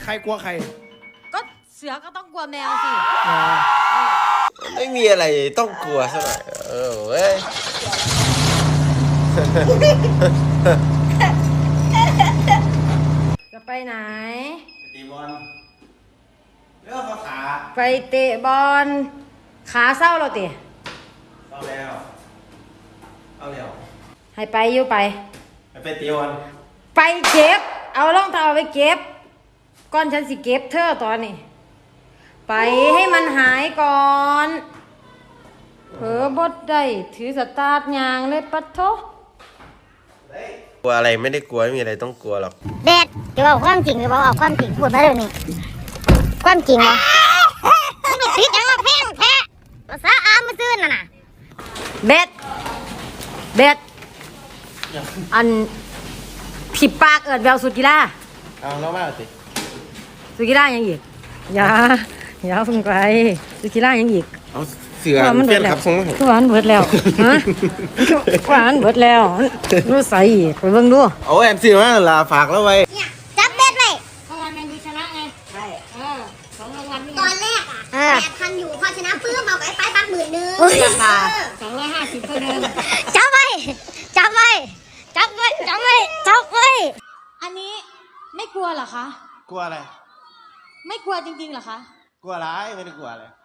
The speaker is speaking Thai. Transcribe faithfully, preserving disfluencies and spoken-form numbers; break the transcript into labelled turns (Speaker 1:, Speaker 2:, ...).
Speaker 1: ใครกลัวใคร
Speaker 2: ก็เสือก็ต้องกลัวแมวสิ
Speaker 3: ไม่มีอะไรต้องกลัวซะหน่อยเออเว้ย
Speaker 2: จะไปไหน
Speaker 1: ตีบอลเลือกขา
Speaker 2: ไปเตะบอลขาเศร้าเราเตะ
Speaker 1: เอาแล้วเอาแล้ว
Speaker 2: ให้ไปอยู่ไป
Speaker 1: ไปตีบอล
Speaker 2: ไปเก็บเอารองเท้าไปเก็บก่อนฉันสิเก็บเธอตอนนี้ไปให้มันหายก่อนเผลอบดได้ถือสตาร์ทยางเลยปัดโถ
Speaker 3: กลัวอะไรไม่ได้กลัวไม่มีอะไรต้องกลัวหรอก
Speaker 4: เด็ดจะบอกความจริงหรือเปล่าเอาความจริงพูดมาเดี๋ยวนี้ความจริงเหรอไม่ติดยังมาเพ่งแพ้ภาษาอามาซื้อน่ะนะ
Speaker 2: เบ็ดเบ็ดอันผิดปากเอิดแววสุดกีฬา
Speaker 1: เอาแล้วว่าสิ
Speaker 2: สุดกีฬายังอีกอย่าอย่าเพิ่งไปสุดกีฬายังอีก
Speaker 1: เอาเสือมันเปลี่ยนครับทรง
Speaker 2: ทุกวันเบิดแล้วฮะทุกวันเบิดแล้วรู้ใส่ไปเบิ่งดู
Speaker 1: โอ้แอมซื้อมาลาฝากแล้วไว้
Speaker 4: เนี่ยจับเบ็ดไว้
Speaker 2: เพราะวันแมนยูชนะไงใช่เออสองรางวัลนี่
Speaker 4: ตอนแรกอ่ะแปดพันอยู่พอชนะปื้มเอาไปไปปักหมื่นนึง
Speaker 2: ราคาสองร้อยห้าสิบเท่าเดิม
Speaker 4: จับไว้จับไว้จับไว้จับไว้จับไว้
Speaker 2: อันนี้ไม่กลัวเหรอคะ
Speaker 1: กลัวอะไร
Speaker 2: ไม่กลัวจริงๆเหรอคะ
Speaker 1: กลัวอะไรไม่ได้กลัวอะไร